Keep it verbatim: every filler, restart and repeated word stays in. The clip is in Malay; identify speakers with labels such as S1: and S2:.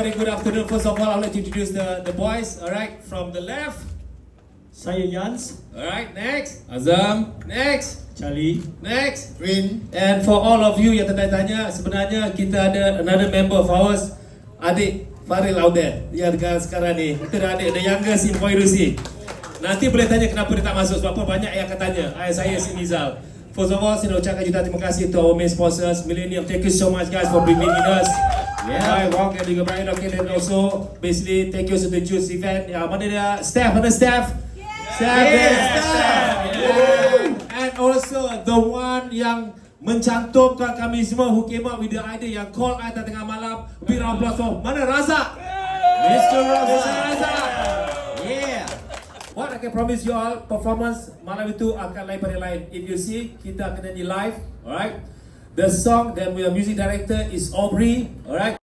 S1: very good afternoon. First of all, I'd like to introduce the, the boys. Alright, from the left.
S2: Saya Yans,
S1: Alright, next. Azam. Next.
S2: Charlie,
S1: Next.
S3: Rin.
S1: And for all of you yang tertanya-tanya, sebenarnya kita ada another member of ours, adik Faril out there, yang dekat sekarang ni. Kita ada adik, the youngest in Poirusi. Nanti boleh tanya kenapa dia tak masuk, sebab apa banyak yang akan tanya. Ay, saya si Nizal. First of all, saya nak ucapkan juta terima kasih to our main sponsors, Millennium. Thank you so much guys for bringing us. Yeah, right, Wong and juga Brian. Okay, and also basically thank you to the Juice event. Ya, mana dia? Staff, mana staff? Staff,
S3: Yeah,
S1: yeah,
S3: staff.
S1: Yeah. And also the one yang mencantumkan kami semua who came up with the idea yang call I tengah malam. Big round of applause for mana Razak? Mister Razak. Yeah. What I can promise you all, performance malam itu akan lain pada lain. If you see, kita akan nyanyi live, alright? The song that we are music director is Aubrey, alright?